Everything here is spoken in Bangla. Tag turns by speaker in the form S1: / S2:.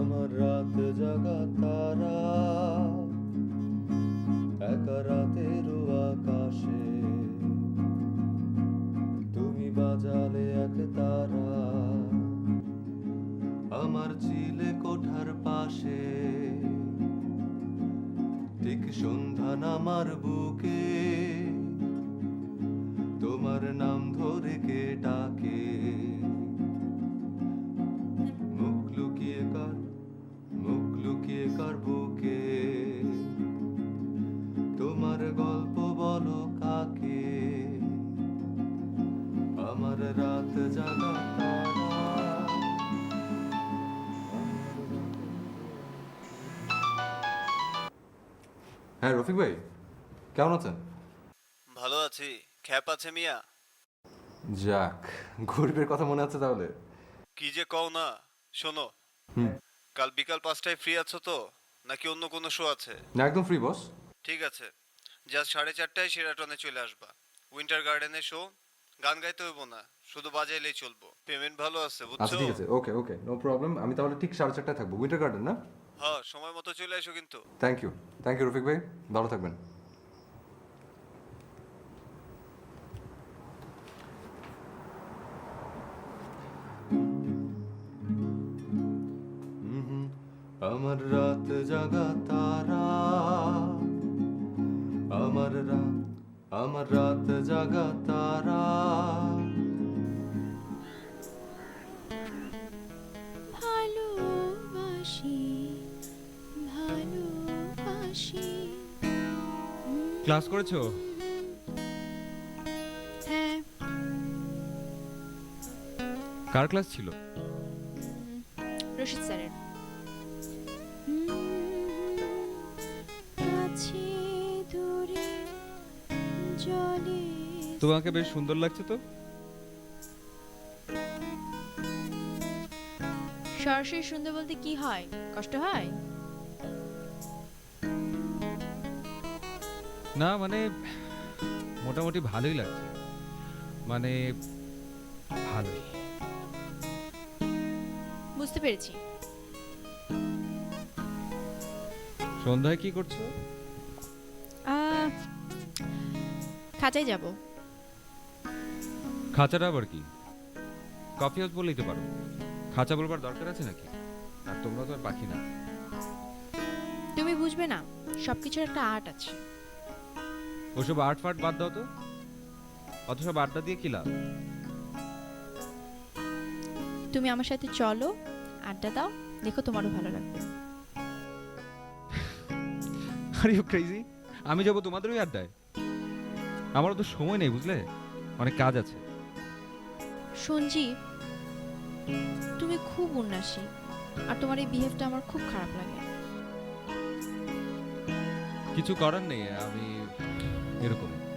S1: আমার রাত জাগা তারা একা রাতেরও আকাশে তুমি বাজালে এক তারা আমার চিলে কোঠার পাশে ঠিক সন্ধ্যা নামার বুকে তোমার নাম ধরে কে ডাকে মুখ লুকিয়ে কার বুকে তোমার গল্প বলো কাকে আমার রাত জাগা তারা। হ্যাঁ রফিক ভাই, কেমন আছেন?
S2: ভালো আছি। খ্যাপ আছে মিয়া?
S1: যাক, গরিবের কথা মনে আছে তাহলে?
S2: কি যে কও না। শোনো, কাল বিকাল 5টায় ফ্রি আছো তো, নাকি অন্য কোনো শো আছে?
S1: না, একদম ফ্রি বস।
S2: ঠিক আছে, জাস্ট 4:30টায় শেরাটনে চলে আসবা। উইন্টার গার্ডেনে শো। গান গাইতে হইব না, শুধু বাজাইলেই চলবো। পেমেন্ট ভালো আছে,
S1: আচ্ছা
S2: বুঝছো?
S1: ঠিক আছে, ওকে ওকে, নো প্রবলেম। আমি তাহলে ঠিক 4:30টায় থাকবো, উইন্টার গার্ডেন না?
S2: হ্যাঁ, সময় মতো চলে এসো কিন্তু।
S1: থ্যাংক ইউ রফিক ভাই, ভালো থাকবেন। আমার রাত জাগা তারা আমার রাত জাগা তারা
S3: ভালোবাসি ভালোবাসি।
S4: ক্লাস করেছো?
S3: হ্যাঁ,
S4: কার ক্লাস ছিল?
S3: রশিদ স্যারের। কাছে দূরে জলে।
S4: তোমাকে বেশ সুন্দর লাগছে তো।
S3: সরাসরি সুন্দর বলতে কি হয়? কষ্ট হয়?
S4: না মানে মোটামুটি ভালোই লাগছে, মানে ভালোই।
S3: বুঝতে পেরেছি।
S4: সন্ধ্যায় কি করছো?
S3: খাঁচায় যাব।
S4: খাঁচাটা আবার কি? কফি হাউস বললেই তো পারো। খাঁচা বলবার দরকার আছে নাকি? আর তোমরা তো আর পাখি না।
S3: তুমি বুঝবে না, সবকিছুর একটা আর্ট আছে।
S4: ওসব আর্ট ফার্ট বাদ দাও তো, অত সব আড্ডা দিয়ে কি লাভ?
S3: তুমি আমার সাথে চলো, আড্ডা দাও, দেখো তোমারও ভালো লাগবে।
S4: Are you crazy? আমি যাবো তোমাদের ওই আড্ডায়? আমারও তো সময় নেই, বুঝলে, অনেক কাজ আছে।
S3: সঞ্জীব, তুমি খুব উন্নাসী, আর তোমার এই বিহেভটা আমার খুব খারাপ লাগে।
S4: কিছু করার নেই, আমি এরকম।